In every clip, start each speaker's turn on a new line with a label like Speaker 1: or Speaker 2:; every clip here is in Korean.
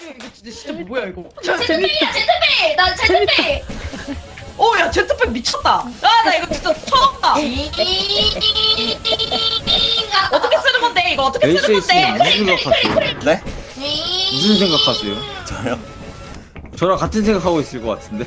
Speaker 1: 이거 진짜 뭐야 이거?
Speaker 2: 제트백이야 제트백. 나 제트백.
Speaker 1: 야 제트팩 미쳤다. 나 이거 진짜 처음 봐. 어떻게 쓰는 건데 이거 어떻게 쓰는
Speaker 3: ACS님
Speaker 1: 건데?
Speaker 3: 무슨 생각하세요?
Speaker 4: 네?
Speaker 3: 무슨 생각하세요?
Speaker 4: 저요?
Speaker 3: 저랑 같은 생각하고 있을 것 같은데?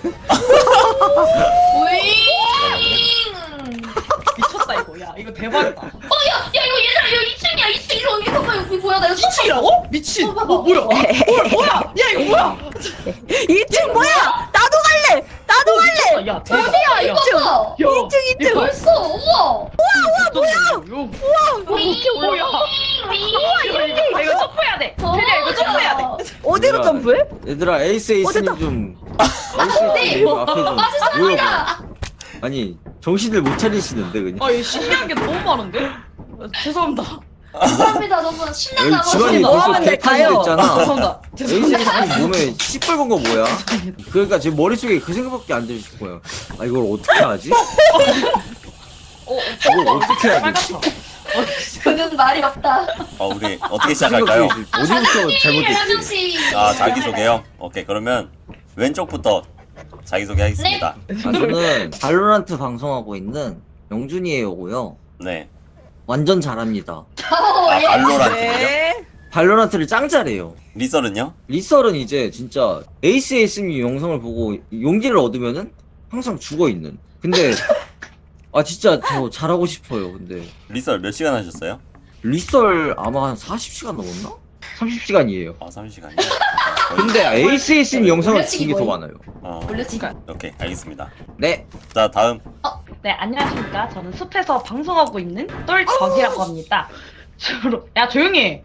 Speaker 1: 미쳤다 이거. 야 이거 대박이다.
Speaker 2: 야 이거 얘들아 이거 2층이야 2층 이거 봐봐 여기 뭐야 나 이거
Speaker 1: 미치라고? 미친.
Speaker 2: 봐봐.
Speaker 1: 뭐야? 뭐야? 야 이거 뭐야?
Speaker 5: 2층 뭐야? 나도 갈래. 나도 갈래.
Speaker 1: 야 대박.
Speaker 2: 어디야 이거 봐.
Speaker 5: 2층 2층.
Speaker 2: 벌써 우와.
Speaker 1: 뭐야? 뭐야? 이거 점프해야 돼. 테리야 이거 점프해야 돼.
Speaker 5: 어디로
Speaker 3: 얘들아,
Speaker 5: 점프해?
Speaker 3: 얘들아 에이스님
Speaker 5: 어쨌든-
Speaker 3: 좀 에이스님 앞에 좀
Speaker 2: 맞아
Speaker 3: 모여봐. 아니 정신을 못 차리시는데 그냥
Speaker 1: 이거 신기한 게 너무 많은데? 죄송합니다.
Speaker 2: 감사합니다 너무 신난다.
Speaker 3: 여기 집안이
Speaker 5: 뭐
Speaker 3: 벌써
Speaker 5: 하면 돼,
Speaker 3: 개판이
Speaker 5: 가요.
Speaker 3: 됐잖아.
Speaker 1: 죄송합니다.
Speaker 3: 에이스님 몸에 시뻘건 거 뭐야? 그러니까 지금 머릿속에 그 생각밖에 안 들실 거예요. 아 이걸 어떻게 하지? 이걸 어떻게 해야 되지?
Speaker 2: 그는 말이 없다.
Speaker 4: 우리 어떻게 시작할까요?
Speaker 3: 어디부터
Speaker 2: 한
Speaker 3: 잘못됐지?
Speaker 2: 명씩.
Speaker 4: 자기소개요? 오케이, 그러면 왼쪽부터 자기소개 하겠습니다.
Speaker 3: 저는 발로란트 방송하고 있는 영준이에요고요.
Speaker 4: 네.
Speaker 3: 완전 잘합니다.
Speaker 4: 발로란트요?
Speaker 5: 네.
Speaker 3: 발로란트를 짱 잘해요.
Speaker 4: 리설은요?
Speaker 3: 리설은 이제 진짜 ACS님 영상을 보고 용기를 얻으면은 항상 죽어 있는. 근데 진짜 저 잘하고 싶어요. 근데
Speaker 4: 리설 몇 시간 하셨어요?
Speaker 3: 리설 아마 한 40시간 넘었나? 30시간이에요.
Speaker 4: 30시간이요?
Speaker 3: 근데 ACS님 영상을
Speaker 2: 올려치기
Speaker 3: 본 게 더
Speaker 2: 뭐예요?
Speaker 3: 많아요.
Speaker 2: 올려치기.
Speaker 4: 오케이, 알겠습니다.
Speaker 3: 네.
Speaker 4: 자, 다음.
Speaker 1: 네, 안녕하십니까. 저는 숲에서 방송하고 있는 똘적이라고 합니다. 야, 조용히 해.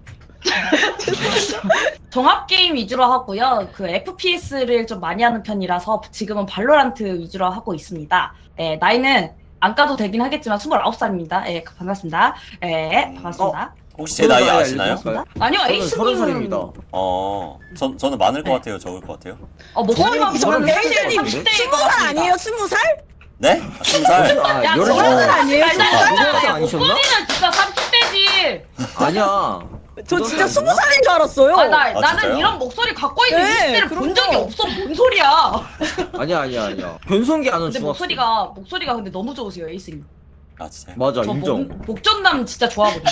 Speaker 1: 종합게임 위주로 하고요. 그 FPS를 좀 많이 하는 편이라서 지금은 발로란트 위주로 하고 있습니다. 네, 나이는 안 까도 되긴 하겠지만 29살입니다. 예, 반갑습니다. 예, 반갑습니다.
Speaker 4: 혹시 제 나이 아시나요?
Speaker 1: 아니요,
Speaker 3: 저는
Speaker 1: 에이스님은
Speaker 3: 30살입니다.
Speaker 4: 저는 많을 것
Speaker 1: 네.
Speaker 4: 같아요, 적을 것 같아요?
Speaker 1: 목소리만
Speaker 3: 저는
Speaker 1: 보면
Speaker 3: 에이스님
Speaker 1: 30대일 것
Speaker 5: 20살
Speaker 1: 같습니다.
Speaker 5: 아니에요? 20살?
Speaker 4: 네? 20살?
Speaker 1: 야,
Speaker 3: 16살
Speaker 5: 아니에요?
Speaker 3: 아니셨나?
Speaker 1: 목소리는 진짜 30대지.
Speaker 3: 아니야.
Speaker 5: 저 진짜 20살인 줄 알았어요.
Speaker 1: 나는
Speaker 4: 진짜요?
Speaker 1: 이런 목소리 갖고 있는
Speaker 5: 네,
Speaker 1: 20대를 본
Speaker 5: 그럼요.
Speaker 1: 적이 없어. 뭔 소리야.
Speaker 3: 아니야. 변성기 아는
Speaker 1: 근데
Speaker 3: 중학생.
Speaker 1: 목소리가 근데 너무 좋으세요, 에이스님.
Speaker 4: 아, 진짜요?
Speaker 3: 맞아,
Speaker 1: 저
Speaker 3: 인정.
Speaker 1: 목전남 진짜 좋아하거든요.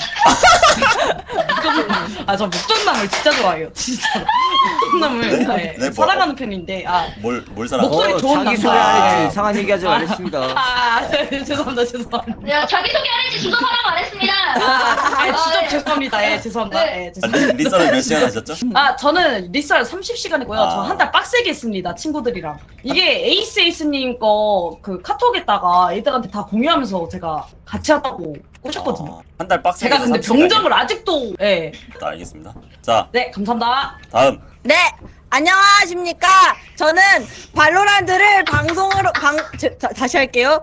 Speaker 1: 저 목전남을 진짜 좋아해요. 진짜. 목전남을
Speaker 4: 네, 뭐,
Speaker 1: 사랑하는 편인데
Speaker 4: 뭘 사랑?
Speaker 1: 목소리 좋은
Speaker 3: 자기
Speaker 1: 남자.
Speaker 3: 소개하랬지. 이상한 얘기하지 말랬습니다.
Speaker 1: 죄송합니다.
Speaker 2: 야 자기소개 안 했지 주소 사람 안 했습니다.
Speaker 1: 진짜 죄송합니다. 예, 죄송합니다.
Speaker 2: 네.
Speaker 1: 예, 죄송합니다.
Speaker 4: 리설은 몇 시간 하셨죠?
Speaker 1: 저는 리썰 30시간이고요. 저 한 달 빡세게 했습니다. 친구들이랑. 이게 에이스님 거 그 카톡에다가 애들한테 다 공유하면서 제가 같이 하다고 꼬셨거든요.
Speaker 4: 한 달 빡세게
Speaker 1: 제가 근데
Speaker 4: 해서 30시간이요?
Speaker 1: 병정을 아직도
Speaker 4: 알겠습니다. 자,
Speaker 1: 네, 감사합니다.
Speaker 4: 다음.
Speaker 5: 네. 안녕하십니까. 저는 발로란트를 방송으로 다시 할게요.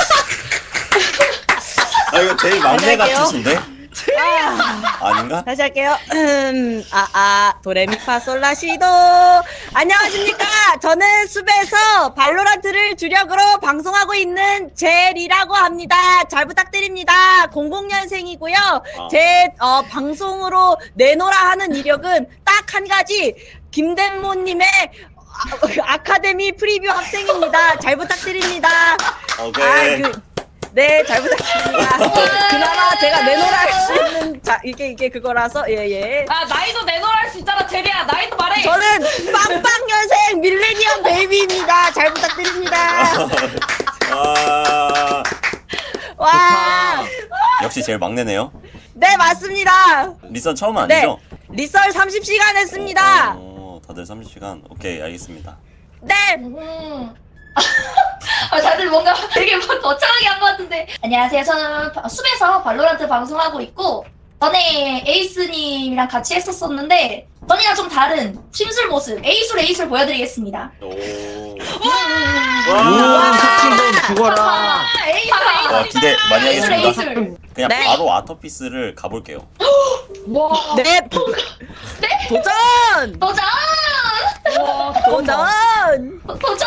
Speaker 4: 이거 제일 막내
Speaker 5: 안녕하세요.
Speaker 4: 같으신데? 아닌가?
Speaker 5: 다시 할게요. 도레미파솔라시도. 안녕하십니까. 저는 숲에서 발로란트를 주력으로 방송하고 있는 젤이라고 합니다. 잘 부탁드립니다. 00년생이고요. 제 방송으로 내노라 하는 이력은 딱 한 가지. 김대모님의 아카데미 프리뷰 학생입니다. 잘 부탁드립니다.
Speaker 4: 오케이.
Speaker 5: 네, 잘 부탁드립니다. 그나마 제가 내노라 할 수 있는, 이게 그거라서, 예.
Speaker 1: 나이도 내놓을 할 수 있잖아, 제리야. 나이도 말해.
Speaker 5: 저는 빵빵년생 밀레니엄 베이비입니다. 잘 부탁드립니다. 와,
Speaker 4: 역시 제일 막내네요.
Speaker 5: 네, 맞습니다.
Speaker 4: 리선 처음
Speaker 5: 네,
Speaker 4: 아니죠?
Speaker 5: 리썰 30시간 했습니다.
Speaker 4: 다들 30시간. 오케이, 알겠습니다.
Speaker 5: 네,
Speaker 2: 다들 뭔가 되게 거창하게 한 것 같은데. 안녕하세요. 저는 숲에서 발로란트 방송하고 있고 전에 에이스님이랑 같이 했었었는데 전이랑 좀 다른 심술 모습 에이술 보여드리겠습니다.
Speaker 3: 와, 사칭범 죽어라.
Speaker 2: 에이술
Speaker 4: 기대 많이 하겠습니다.
Speaker 2: 에이술.
Speaker 4: 그냥
Speaker 5: 네.
Speaker 4: 바로 아토피스를 가볼게요.
Speaker 1: 와.
Speaker 5: 네, 도전!
Speaker 2: 도전!
Speaker 5: 도전!
Speaker 2: 도전!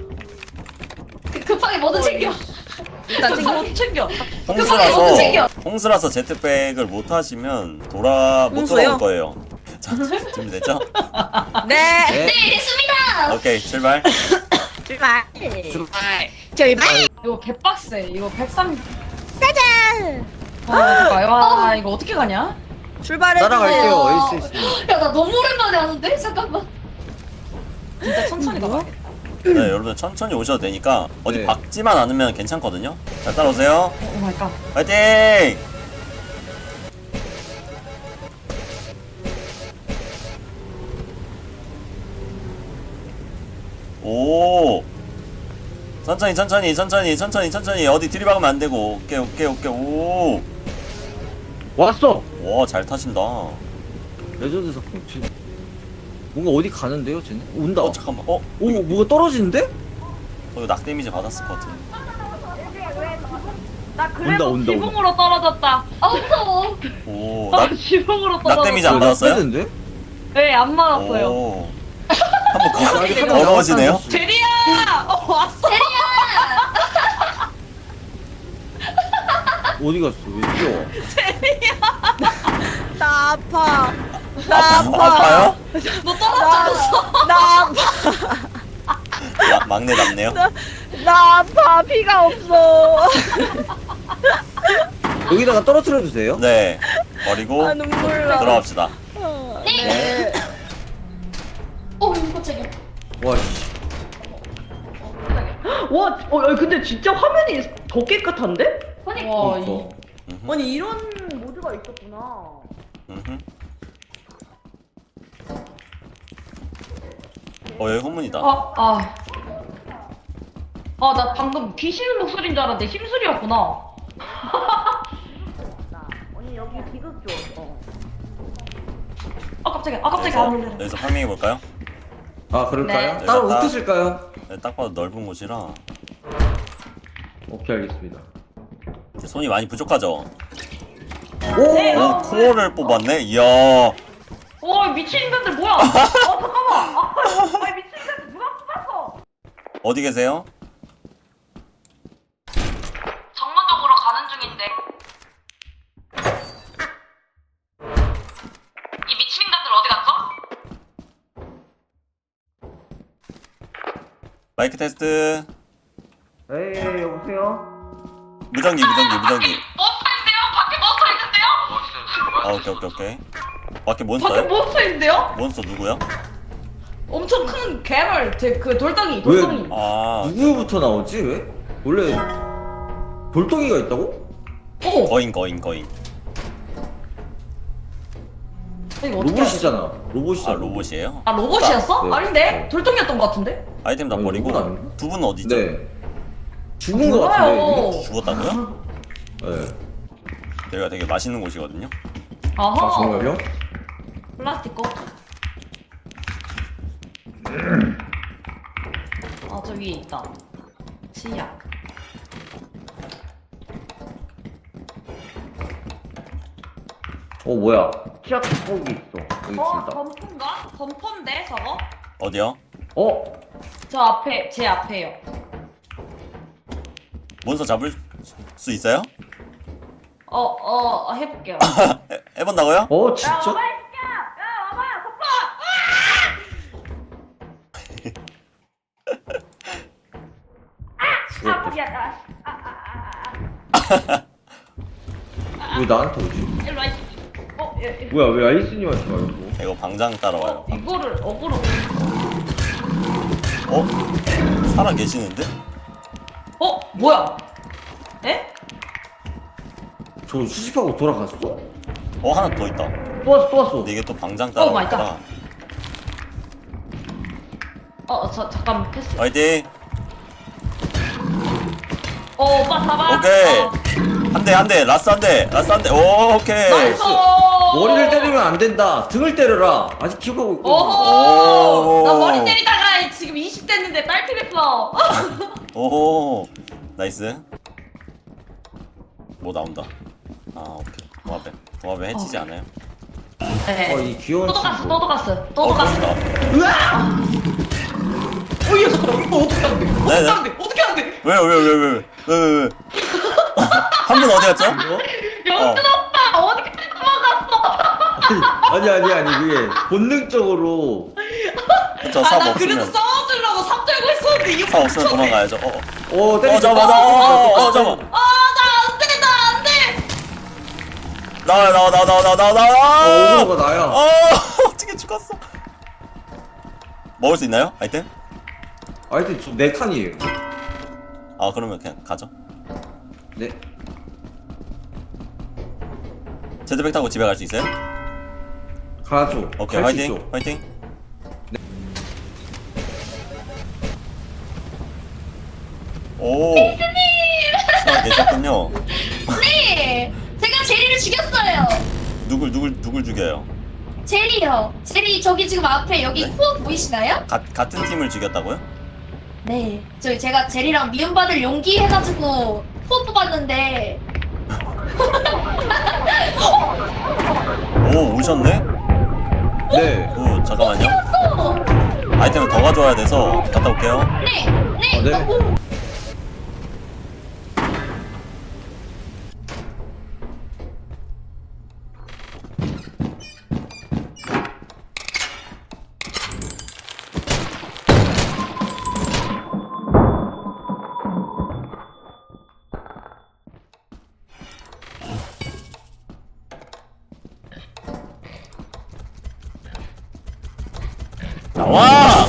Speaker 2: 급하게 뭐든 챙겨.
Speaker 5: 일단
Speaker 1: 뭐 챙겨.
Speaker 2: 급하게 뭐든 챙겨.
Speaker 4: 홍수라서 제트백을 못 하시면 못
Speaker 5: 홍수요?
Speaker 4: 돌아올 거예요. 자, 준비됐죠?
Speaker 5: 네.
Speaker 3: 네.
Speaker 2: 네, 됐습니다.
Speaker 4: 오케이, 출발.
Speaker 5: 출발.
Speaker 3: 출발.
Speaker 5: 출발.
Speaker 1: 이거 개빡세. 이거 103.
Speaker 5: 가자.
Speaker 1: 잠깐만. 와, 이거 어떻게 가냐?
Speaker 5: 출발해.
Speaker 3: 따라갈게요 ACS님.
Speaker 2: 야, 나 너무 오랜만에 하는데? 잠깐만.
Speaker 1: 진짜 천천히 가봐.
Speaker 4: 네, 여러분들 천천히 오셔도 되니까 어디
Speaker 3: 네.
Speaker 4: 박지만 않으면 괜찮거든요. 자, 따라오세요.
Speaker 1: 오 마이 갓.
Speaker 4: 파이팅! 오! 천천히 어디 들이박으면 안 되고. 오케이. 오!
Speaker 3: 왔어.
Speaker 4: 와, 잘 타신다.
Speaker 3: 레전드 사건. 뭔가 어디 가는데요, 쟤네? 온다.
Speaker 4: 잠깐만.
Speaker 3: 오, 뭐가 떨어지는데?
Speaker 4: 이거 낙 데미지 받았을 것 같은데.
Speaker 1: 나 그래도
Speaker 3: 온다.
Speaker 1: 지붕으로 떨어졌다.
Speaker 2: 아, 무서워.
Speaker 4: 오,
Speaker 1: 나 지붕으로 떨어졌다.
Speaker 4: 데미지 안 받았어요?
Speaker 3: 데
Speaker 1: 네, 안 맞았어요.
Speaker 4: 오. 한번
Speaker 3: 아직
Speaker 1: 하나
Speaker 4: 걸어오시네요?
Speaker 1: 제리야! 왔어.
Speaker 3: 어디 갔어? 왜 뛰어?
Speaker 5: 나 아파. 나 아파.
Speaker 4: 아파요?
Speaker 1: 너 떨어졌어.
Speaker 5: 나 아파.
Speaker 4: 막내 남네요?
Speaker 5: 나 아파. 피가 없어.
Speaker 3: 여기다가 떨어뜨려 주세요.
Speaker 4: 네. 버리고
Speaker 5: 아, 눈물 나.
Speaker 4: 들어갑시다.
Speaker 3: 네.
Speaker 2: 이거 깜짝이야.
Speaker 3: 와, 씨.
Speaker 5: 와, 근데 진짜 화면이 더 깨끗한데?
Speaker 2: 아니,
Speaker 1: 와,
Speaker 3: 그러니까.
Speaker 5: 아니 이런 모드가 있었구나.
Speaker 4: 음흠. 여기 혼문이다.
Speaker 1: 나 방금 귀신 목소리인 줄 알았는데 힘술이었구나.
Speaker 5: 언니 여기 비극 줘.
Speaker 1: 깜짝이야.
Speaker 4: 여기서 파밍해 볼까요?
Speaker 3: 아, 그럴까요?
Speaker 1: 네.
Speaker 3: 따로
Speaker 4: 네,
Speaker 3: 어떻게 쓸까요?
Speaker 4: 네, 딱 봐도 넓은 곳이라
Speaker 3: 오케이, 알겠습니다.
Speaker 4: 손이 많이 부족하죠?
Speaker 3: 오!
Speaker 1: 네.
Speaker 4: 오, 코어를 뽑았네? 이야.
Speaker 1: 미친 인간들 뭐야? 잠깐만. 미친 인간들 누가 뽑았어?
Speaker 4: 어디 계세요?
Speaker 1: 정문적으로 가는 중인데. 이 미친 인간들 어디 갔죠?
Speaker 4: 마이크 테스트.
Speaker 3: 에이, 여보세요?
Speaker 4: 무전기.
Speaker 1: 몬스터인데요? 밖에 몬스터 있는데요?
Speaker 4: 오케이. 밖에
Speaker 1: 밖에
Speaker 4: 몬스터요?
Speaker 1: 몬스터 있는데요?
Speaker 4: 몬스터 누구야?
Speaker 1: 엄청 큰 괴물, 그 돌덩이.
Speaker 4: 아,
Speaker 3: 누구부터 나오지, 왜? 원래 돌덩이가 있다고?
Speaker 1: 오,
Speaker 4: 거인.
Speaker 1: 이거 어떻게
Speaker 3: 로봇이잖아.
Speaker 4: 아,
Speaker 3: 로봇이잖아.
Speaker 4: 로봇이에요?
Speaker 1: 아, 로봇이었어?
Speaker 3: 네.
Speaker 1: 아닌데? 돌덩이였던 것 같은데?
Speaker 4: 아이템 다
Speaker 3: 아니,
Speaker 4: 버리고
Speaker 3: 로봇 아닌가?
Speaker 4: 두 분은 어디죠?
Speaker 3: 네. 죽은 거 같은데,
Speaker 1: 몰라요.
Speaker 3: 이미?
Speaker 4: 죽었다고요?
Speaker 3: 네.
Speaker 4: 여기가 되게 맛있는 곳이거든요.
Speaker 3: 아, 정말요?
Speaker 1: 플라스틱 거. 저기 있다. 치약.
Speaker 3: 뭐야. 치약 거기 있어. 여기 있습니다.
Speaker 1: 점포인가? 점포인데, 저거?
Speaker 4: 어디요?
Speaker 1: 저 앞에, 제 앞에요.
Speaker 4: 몬스터 잡을 수 있어요?
Speaker 1: 해볼게요.
Speaker 4: 해본다고요?
Speaker 3: 진짜?
Speaker 1: 야, 와봐요,
Speaker 3: 왜 나한테 오지?
Speaker 1: 일로 와, 이 새끼.
Speaker 3: 뭐야, 왜 아이스님한테 말고?
Speaker 4: 이거 방장 따라와요.
Speaker 1: 이거를 어그로.
Speaker 4: 살아 계시는데?
Speaker 1: 뭐야? 에?
Speaker 3: 저 수집하고 돌아갔어?
Speaker 4: 하나 더 있다.
Speaker 3: 또 왔어.
Speaker 4: 근데 이게 또 방장
Speaker 1: 오 마이
Speaker 4: 따라오니까.
Speaker 1: 잠깐 패스.
Speaker 4: 화이팅!
Speaker 1: 오빠 잡아.
Speaker 4: 오케이! 한 대! 라스 한 대! 오케이!
Speaker 1: 나이스.
Speaker 3: 머리를 때리면 안 된다. 등을 때려라. 아직 기억하고 있거든.
Speaker 4: 오.
Speaker 1: 나 머리 때리다가 지금 20 됐는데 딸피 됐어.
Speaker 4: 오, 나이스. 뭐 나온다. 오케이. 도마뱀 해치지 않아요?
Speaker 1: 네.
Speaker 3: 이 귀여운
Speaker 1: 또도
Speaker 3: 친구.
Speaker 1: 갔어.
Speaker 4: 그렇다.
Speaker 1: 야, 잠깐만. 이거 어떻게 하는데?
Speaker 4: 네네.
Speaker 1: 어떻게 하는데?
Speaker 4: 왜? 한 분 어디 갔죠?
Speaker 1: 영준 오빠 어디까지 도망갔어?
Speaker 3: 아니 그게 본능적으로.
Speaker 4: 그쵸,
Speaker 1: 아,
Speaker 4: 삽
Speaker 1: 나 그래도
Speaker 4: 없으면.
Speaker 1: 싸워주려고 삽 들고 있었는데 이거
Speaker 4: 삽 없으면 도망가야죠.
Speaker 3: 때리지.
Speaker 4: 잠깐만. 잠깐만.
Speaker 1: 나 안 돼.
Speaker 4: 나와.
Speaker 3: 오버가 나야.
Speaker 4: 어떻게 죽었어? 먹을 수 있나요? 아이템?
Speaker 3: 하여튼 저네 칸이에요.
Speaker 4: 아, 그러면 그냥 가죠.
Speaker 3: 네.
Speaker 4: 제드백 타고 집에 갈 수 있어요?
Speaker 3: 가죠.
Speaker 4: 오케이,
Speaker 3: 갈수
Speaker 4: 화이팅.
Speaker 3: 있죠.
Speaker 4: 화이팅. 오. 시간 계셨군요.
Speaker 2: 네, 제가 제리를 죽였어요.
Speaker 4: 누굴 죽여요?
Speaker 2: 제리요. 제리 저기 지금 앞에 여기
Speaker 4: 네?
Speaker 2: 코어 보이시나요?
Speaker 4: 같은 팀을 죽였다고요?
Speaker 2: 네. 제가 제리랑 미움받을 용기 해가지고 코어 뽑았는데
Speaker 4: 오, 오셨네?
Speaker 3: 네.
Speaker 4: 잠깐만요.
Speaker 2: 또
Speaker 4: 아이템을 더 가져와야 돼서 갔다 올게요.
Speaker 2: 네.
Speaker 3: 네.
Speaker 4: 나와!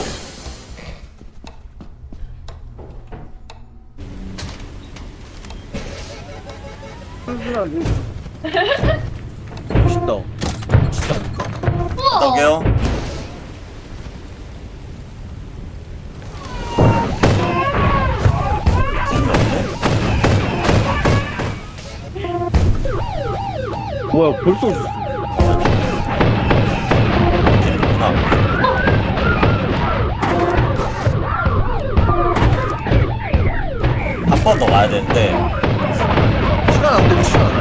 Speaker 3: 멋있다.
Speaker 4: 갔다 올게요.
Speaker 3: 뭐야 벌써
Speaker 4: 길이구나. 한 번 더 가야 되는데
Speaker 3: 시간 안 되면 시간.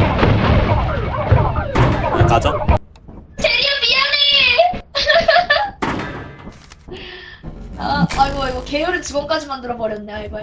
Speaker 4: 그냥 가죠.
Speaker 2: 제리야 미안해. 아이고 계열의 직원까지 만들어 버렸네. 아이고.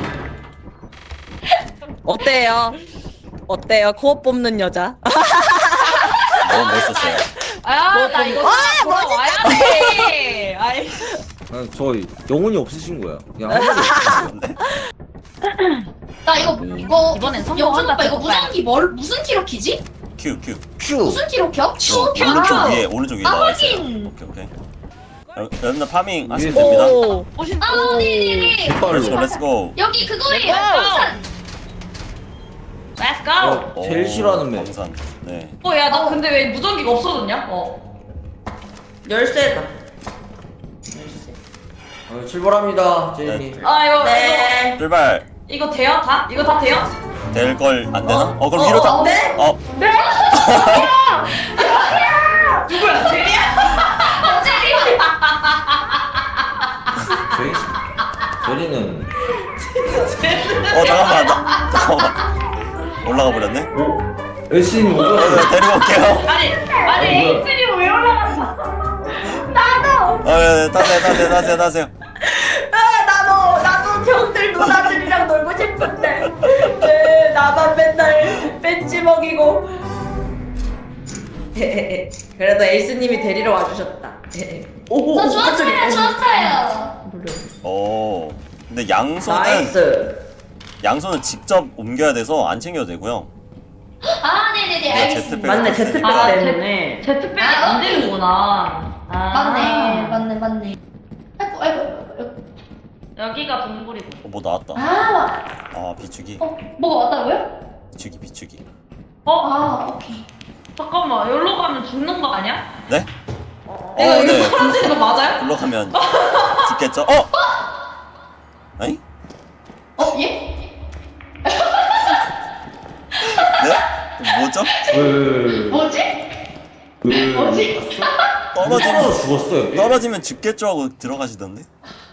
Speaker 5: 어때요? 코어 뽑는 여자?
Speaker 4: 너무 멋있었어요.
Speaker 1: 나 이거 돌아와야 돼. 아이.
Speaker 3: 저 영혼이 없으신 거야. 그냥 한 번도 없으신 거야.
Speaker 2: 나 이거
Speaker 1: 이번엔
Speaker 2: 영준
Speaker 1: 성공한다.
Speaker 2: 오빠 이거 무전기 무슨 키로 키지?
Speaker 4: 큐.
Speaker 2: 무슨 키로 켜?
Speaker 4: 오른쪽 위에
Speaker 2: 아,
Speaker 4: 나와 있어요.
Speaker 2: 확인.
Speaker 4: 오케이. 여러분들 파밍 하시면
Speaker 3: 위에서.
Speaker 4: 됩니다.
Speaker 5: 오.
Speaker 2: 아 네네네.
Speaker 3: 깃발로.
Speaker 4: 렛츠고.
Speaker 2: 여기 그거예요.
Speaker 1: Let's go.
Speaker 3: 제일 싫어하는 맵.
Speaker 4: 광산. 네.
Speaker 1: 야, 너 근데 왜 무전기가 없어졌냐?
Speaker 5: 열쇠다.
Speaker 3: 출발합니다, 제이님.
Speaker 1: 이거
Speaker 5: 네.
Speaker 4: 출발.
Speaker 1: 이거 돼요? 다? 이거 다 돼요?
Speaker 4: 될 걸 안 되나? 그럼 위로 타.
Speaker 5: 네?
Speaker 1: 누구야? 제리야?
Speaker 3: 제리는
Speaker 4: 잠깐만. 올라가 버렸네.
Speaker 3: 열심히 오고.
Speaker 4: 데리고 올게요.
Speaker 1: 아니, 에이스님 왜 올라갔어?
Speaker 4: 타세요.
Speaker 5: 나도 형들 누나들이랑 놀고 싶은데 나만 맨날 벤치 먹이고. 그래도 에이스님이 데리러 와주셨다. 오,
Speaker 2: 저 좋았어요.
Speaker 4: 오. 근데 양손은
Speaker 5: 나이스.
Speaker 4: 직접 옮겨야 돼서 안 챙겨도 되고요.
Speaker 2: 아 네네네 알겠습니다.
Speaker 4: 제트백
Speaker 5: 맞네, 제트백
Speaker 1: 아,
Speaker 5: 때문에.
Speaker 1: 제트백이
Speaker 2: 아,
Speaker 1: 안 되는구나.
Speaker 2: 맞네. 아이고.
Speaker 1: 여기가 동굴이고.
Speaker 4: 뭐 나왔다. 비추기.
Speaker 2: 뭐가 왔다고요?
Speaker 4: 비추기.
Speaker 2: 오케이.
Speaker 1: 잠깐만, 여기로 가면 죽는 거 아니야?
Speaker 4: 네?
Speaker 1: 이거
Speaker 4: 네.
Speaker 1: 떨어지는 거 맞아요?
Speaker 4: 글로 가면 죽겠죠? 아니?
Speaker 2: 예?
Speaker 4: 네? 뭐죠?
Speaker 2: 뭐지?
Speaker 3: 떨어지면 죽었어요.
Speaker 4: 떨어지면 죽겠죠 하고 들어가시던데?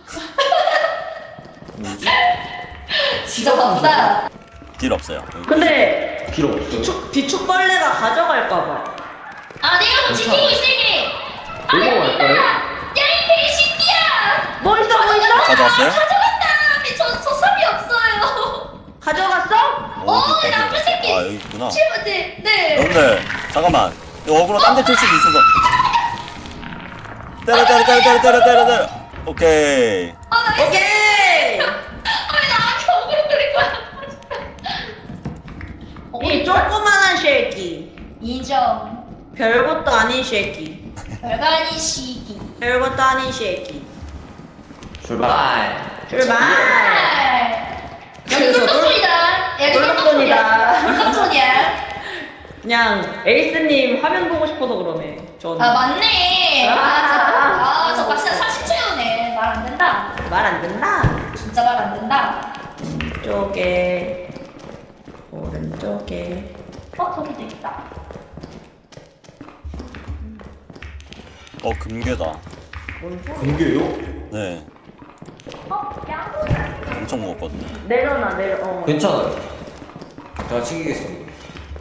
Speaker 2: 진짜 바쁘다.
Speaker 4: 길 없어요.
Speaker 5: 근데
Speaker 3: 필요 없어요.
Speaker 5: 비축벌레가 가져갈까봐.
Speaker 2: 내가 뭐 지키고 있을게.
Speaker 3: 놀러 갈까요?
Speaker 2: 야이 개새끼야.
Speaker 5: 뭐 있어?
Speaker 4: 가져왔어요?
Speaker 2: 가져갔다. 저 삽이 없어요.
Speaker 5: 가져갔어?
Speaker 2: 나쁜 새끼.
Speaker 4: 여기 있구나.
Speaker 2: 네.
Speaker 4: 여러분들 잠깐만 이거 어그로 딴 데 틀 수도 있어서. 때려. 오케이.
Speaker 5: 오케이. 이 조그만한 쉐이키.
Speaker 2: 인정.
Speaker 5: 별것도 아닌 쉐이키.
Speaker 2: 별거 아닌 시기.
Speaker 5: 별것도 아닌 쉐이키.
Speaker 3: 출발.
Speaker 5: 출발.
Speaker 2: 여기 꿀떡손이다. 여기
Speaker 5: 꿀떡손이다.
Speaker 2: 꿀떡손이야.
Speaker 5: 그냥 에이스님 화면 보고 싶어서 그러네. 전.
Speaker 2: 아 맞네. 저거 진짜 사실 채우네. 말 안 된다.
Speaker 5: 말 안 듣나?
Speaker 2: 진짜 말 안 된다.
Speaker 5: 쪽에 오른쪽에
Speaker 2: 저기도 있다.
Speaker 4: 금괴다.
Speaker 3: 공개요?
Speaker 4: 네.
Speaker 2: 양보.
Speaker 4: 엄청 무겁거든요.
Speaker 5: 내려놔 내려.
Speaker 3: 괜찮아요. 제가 챙기겠습니다.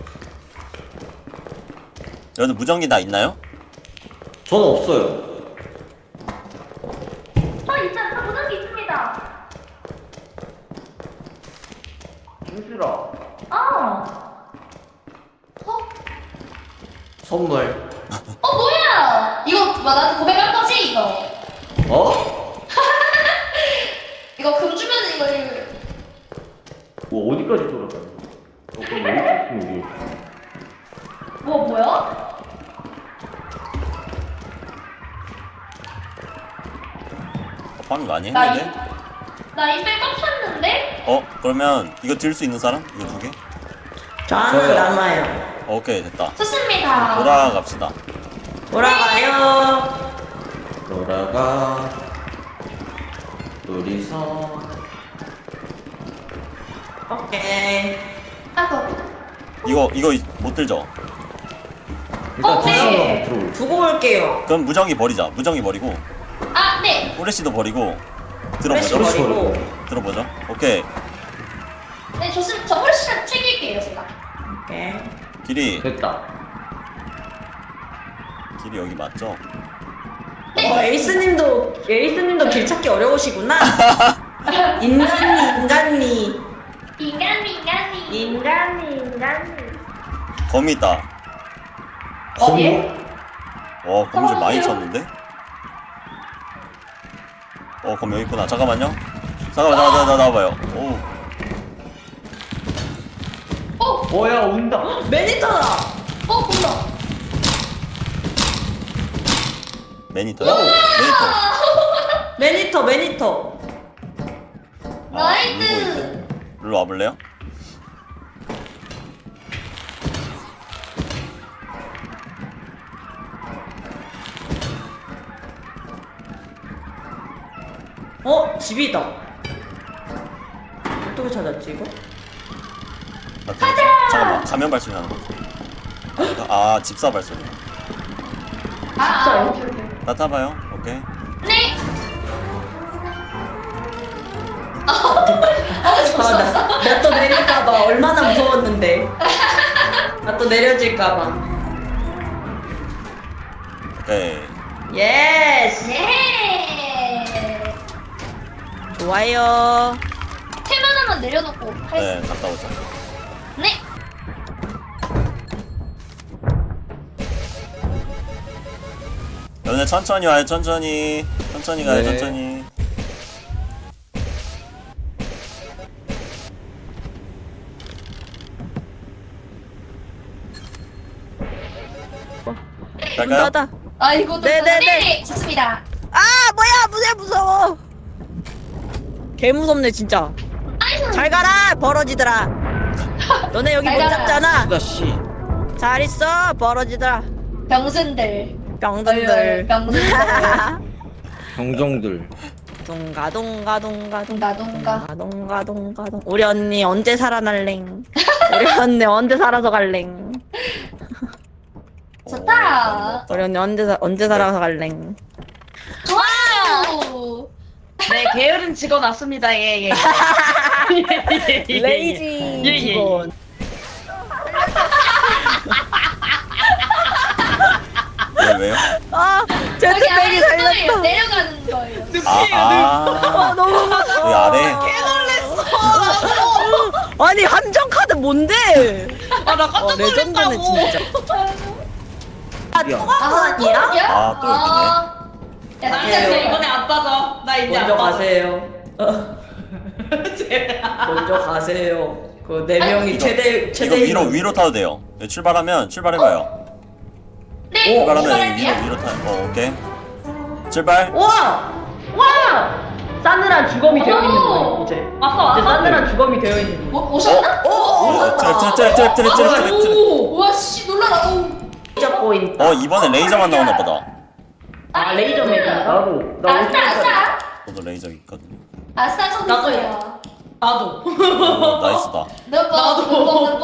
Speaker 4: 여기 무전기 다 있나요?
Speaker 3: 저는 없어요.
Speaker 2: 있잖아. 무전기 있습니다.
Speaker 3: 준수라.
Speaker 2: 어,
Speaker 3: 선물.
Speaker 2: 뭐야? 이거 나한테 고백할 거지 이거?
Speaker 3: 어?
Speaker 2: 이거 금 주면은 이거
Speaker 3: 뭐 어디까지 돌아가요? 그럼 어디 있으면
Speaker 2: 뭐야?
Speaker 4: 파밍 많이
Speaker 2: 나
Speaker 4: 했는데?
Speaker 2: 나 이빨 꽉 찼는데?
Speaker 4: 그러면 이거 들 수 있는 사람? 이거 2개?
Speaker 5: 저는
Speaker 3: 저요.
Speaker 5: 남아요.
Speaker 4: 오케이, 됐다.
Speaker 2: 좋습니다.
Speaker 4: 돌아갑시다.
Speaker 5: 돌아가요.
Speaker 3: 돌아가. 둘이서.
Speaker 5: 오케이.
Speaker 2: 아이고.
Speaker 4: 이거 못 들죠?
Speaker 3: 일단
Speaker 2: 네.
Speaker 3: 들어올.
Speaker 5: 두고 올게요.
Speaker 4: 그럼 무전기 버리자. 무전기 버리고
Speaker 2: 네.
Speaker 4: 후레쉬도 버리고
Speaker 5: 프레시
Speaker 4: 들어보죠.
Speaker 5: 버리고.
Speaker 4: 들어보죠. 오케이.
Speaker 2: 네, 좋습니다. 저 훨씬 챙길게요, 제가.
Speaker 5: 오케이.
Speaker 4: 길이
Speaker 3: 됐다.
Speaker 4: 여기 맞죠?
Speaker 5: 에이스님도 길 찾기 어려우시구나. 인간이.
Speaker 4: 거미 있다.
Speaker 2: 어디에?
Speaker 4: 거미 좀 많이 쳤는데? 거미 여기 있구나. 잠깐만요. 나와봐요.
Speaker 3: 뭐야 온다.
Speaker 5: 매니터다.
Speaker 2: 본다.
Speaker 4: 매니터요?
Speaker 5: 매니터.
Speaker 2: 나이스.
Speaker 4: 일로 와볼래요?
Speaker 5: 집이다. 어떻게 찾았지 이거?
Speaker 4: 잠깐만. 가면 발소리 나는 거. 집사 발소리.
Speaker 2: 오케이.
Speaker 4: 나 타봐요. 오케이.
Speaker 2: 네.
Speaker 5: 나 또 내릴까봐 얼마나 무서웠는데. 나 또 내려질까봐.
Speaker 4: 오케이.
Speaker 5: 예스.
Speaker 2: 네.
Speaker 5: 좋아요.
Speaker 2: 템 하나만 내려놓고
Speaker 4: 네, 갔다 오자.
Speaker 2: 네.
Speaker 4: 여러분들 천천히 와요. 천천히 가요.
Speaker 3: 네.
Speaker 4: 천천히. 갈까요?
Speaker 5: 문닫아.
Speaker 2: 이거
Speaker 5: 네네네.
Speaker 2: 좋습니다.
Speaker 5: 뭐야 무서워. 개 무섭네 진짜. 잘 가라 벌어지더라. 너네 여기 못
Speaker 2: 잘 가라.
Speaker 5: 잡잖아.
Speaker 3: 수다 씨.
Speaker 5: 잘 있어 벌어지더라.
Speaker 2: 병신들.
Speaker 5: 병든들.
Speaker 2: 병신들.
Speaker 3: 병정들.
Speaker 5: 동가동가동가동. 우리 언니 언제 살아날랭. 우리 언니 언제 살아서 갈랭.
Speaker 2: 좋다.
Speaker 5: 우리 언니 언제 살아서 갈랭.
Speaker 2: 좋아요.
Speaker 1: 네, 게으른 직원 왔습니다. 예.
Speaker 5: 레이지
Speaker 1: 예.
Speaker 5: 직원.
Speaker 4: 왜요?
Speaker 2: 여기
Speaker 5: 제트백이
Speaker 2: 아래
Speaker 5: 살렸다.
Speaker 2: 손을 내려가는 거예요.
Speaker 5: 너무 무서워.
Speaker 4: 여기 아래.
Speaker 5: 아니 함정 카드 뭔데?
Speaker 1: 아, 나 깜짝
Speaker 5: 레전드네
Speaker 1: 놀랐다고.
Speaker 5: 진짜.
Speaker 3: 미안.
Speaker 5: 아니야?
Speaker 4: 아, 또
Speaker 2: 야,
Speaker 1: 나
Speaker 2: 진짜
Speaker 1: 이제 이번에 안 빠져. 나 이제
Speaker 5: 먼저
Speaker 1: 안 빠져.
Speaker 5: 가세요. 먼저 가세요. 그 네 명이
Speaker 2: 아니,
Speaker 5: 최대
Speaker 4: 이거 위로 타도 돼요. 네, 출발해봐요.
Speaker 2: 네,
Speaker 4: 출발하면
Speaker 2: 출발할게요.
Speaker 4: 위로 타. 오케이. 출발.
Speaker 5: 와! 와! 싸늘한 주검이 되어 있는 거예요 이제.
Speaker 1: 왔어.
Speaker 5: 이제 싸늘한 주검이 되어 있는 거.
Speaker 2: 오셨나?
Speaker 4: 오, 트랩.
Speaker 2: 오, 와, 씨, 놀라라. 오.
Speaker 5: 레이저 포인트.
Speaker 4: 이번에 레이저만 나오나 보다.
Speaker 5: 아 레이저 메타. 나도. 나
Speaker 2: 아싸.
Speaker 4: 저도 레이저 있거든요.
Speaker 2: 아싸, 손
Speaker 1: 나도.
Speaker 4: 나이스다.
Speaker 2: 눈뽕.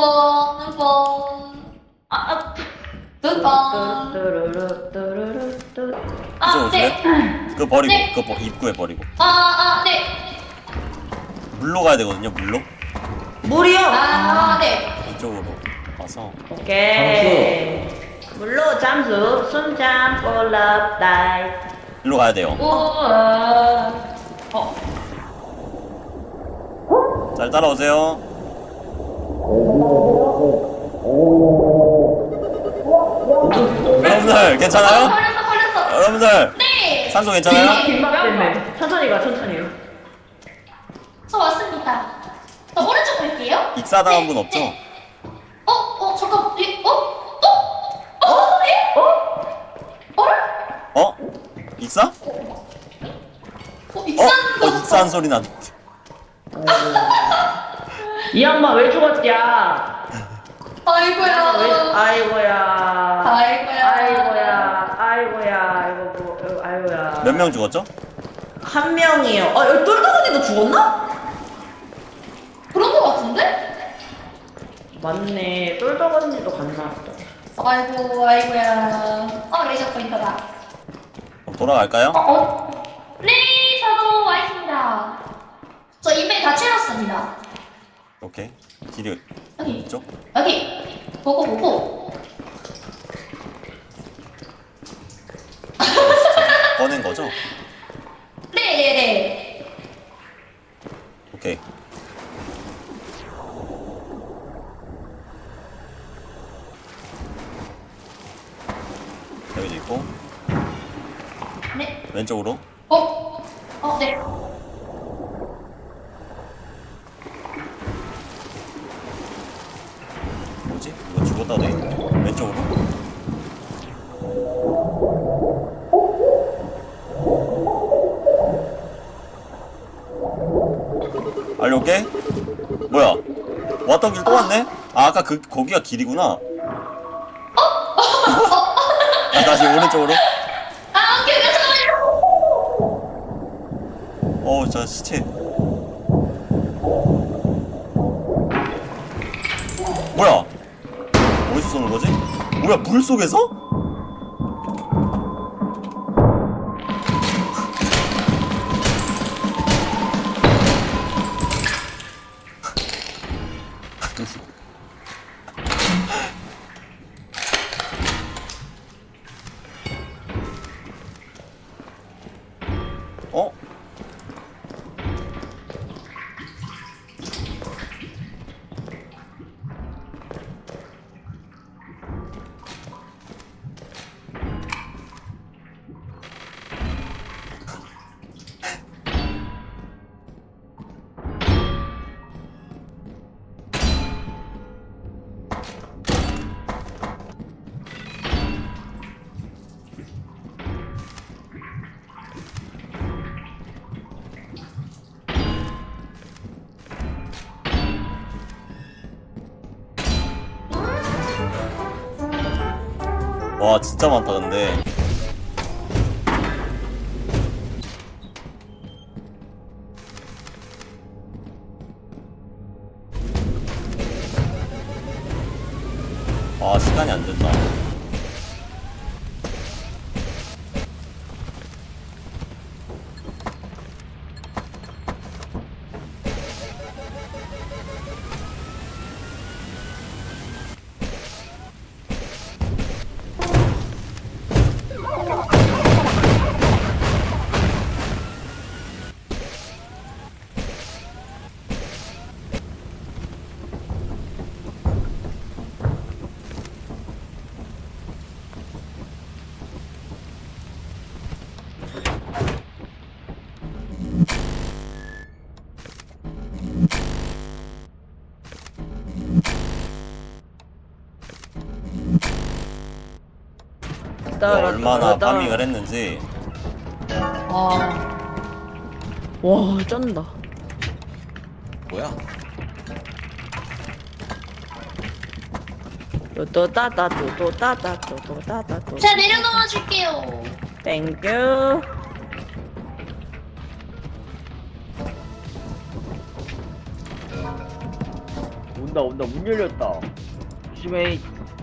Speaker 4: 이제 오실래?
Speaker 2: 네.
Speaker 4: 그거 버리고,
Speaker 2: 네.
Speaker 4: 입구에 버리고.
Speaker 2: 네.
Speaker 4: 물로 가야 되거든요, 물로.
Speaker 5: 물이요.
Speaker 2: 네.
Speaker 4: 이쪽으로 와서.
Speaker 5: 오케이. 물로 잠수, 숨잠, 폴랍, 다이.
Speaker 4: 일로 가야 돼요. 잘 따라오세요. 여러분들 괜찮아요?
Speaker 2: 걸렸어.
Speaker 4: 여러분들
Speaker 2: 네.
Speaker 4: 산소 괜찮아요?
Speaker 5: 빈박됐네. 천천히 가, 천천히요.
Speaker 2: 저 왔습니다. 저 오른쪽 갈게요.
Speaker 4: 익사당한 분 없죠?
Speaker 2: 잠깐.
Speaker 4: 익사?
Speaker 2: 익산 거.
Speaker 4: 익사한 소리 나.
Speaker 5: 이 양반 왜 죽었냐?
Speaker 2: 아이고야.
Speaker 5: 아이고야.
Speaker 2: 아이고야.
Speaker 5: 아이고야.
Speaker 4: 몇 명 죽었죠?
Speaker 5: 한 명이요. 여기 똘똘언니도 죽었나?
Speaker 2: 그런 거 같은데?
Speaker 5: 맞네. 똘똘언니도 갔나 보다.
Speaker 2: 아이고야. 레이저 포인트다.
Speaker 4: 그럼 돌아갈까요?
Speaker 2: 네, 저도 와 있습니다. 저 인벤 다 채웠습니다.
Speaker 4: 오케이. 길이
Speaker 2: 여기.
Speaker 4: 이쪽?
Speaker 2: 여기. 보고.
Speaker 4: 꺼낸 거죠?
Speaker 2: 네네네.
Speaker 4: 오케이. 여기도 있고
Speaker 2: 네.
Speaker 4: 왼쪽으로.
Speaker 2: 네.
Speaker 4: 뭐지? 이거 죽었다 돼 있네. 왼쪽으로. 알려올게. 뭐야? 왔던 길 또 왔네? 아까 거기가 길이구나. 다시 오른쪽으로.
Speaker 2: 오케이, 잠깐만요.
Speaker 4: 저 시체. 뭐야? 어디서 쏘는 거지? 뭐야, 물 속에서? 어? 와, 진짜 많다 근데. 시간이 안 된다. 얼마나 파밍을 했는지.
Speaker 5: 와 쩐다.
Speaker 3: 뭐야?
Speaker 5: 또또따따 또또따따 또또따따 또.
Speaker 2: 제가 내려놓아 줄게요.
Speaker 5: 땡큐.
Speaker 3: 온다 문 열렸다. 조심해.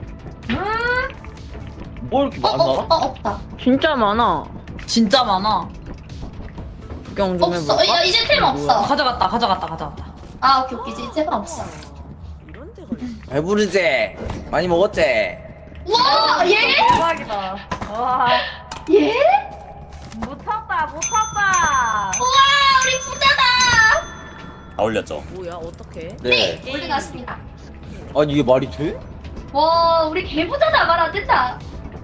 Speaker 3: 뭐 이렇게 많아?
Speaker 2: 없다.
Speaker 5: 진짜 많아.
Speaker 1: 진짜 많아.
Speaker 5: 구경 좀
Speaker 2: 없어.
Speaker 5: 해볼까?
Speaker 2: 야, 이제 템 없어.
Speaker 1: 가져갔다.
Speaker 2: 아, 오케이. 이제 템 없어.
Speaker 5: 이런 데가 있어.
Speaker 3: 배부르지? 많이 먹었지?
Speaker 2: 와, 얘?
Speaker 1: 대박이다. 와,
Speaker 2: 얘?
Speaker 1: 못 탔다.
Speaker 2: 우와, 우리 부자다.
Speaker 4: 다 올렸죠.
Speaker 5: 뭐야 어떡해?
Speaker 3: 네.
Speaker 2: 올려놨습니다.
Speaker 3: 아니 이게 말이 돼?
Speaker 2: 와, 우리 개부자다. 말 안 된다.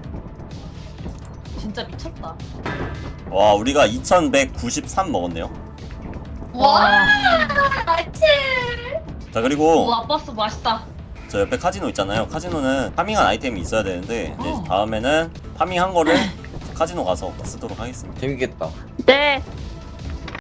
Speaker 1: 진짜 미쳤다.
Speaker 4: 와, 우리가 2193 먹었네요.
Speaker 2: 와, 나이스.
Speaker 4: 자, 그리고
Speaker 1: 와, 버스 맛있다.
Speaker 4: 저 옆에 카지노 있잖아요. 카지노는 파밍한 아이템이 있어야 되는데 이제
Speaker 1: 어.
Speaker 4: 다음에는 파밍한 거를 카지노 가서 쓰도록 하겠습니다.
Speaker 3: 재밌겠다.
Speaker 5: 네.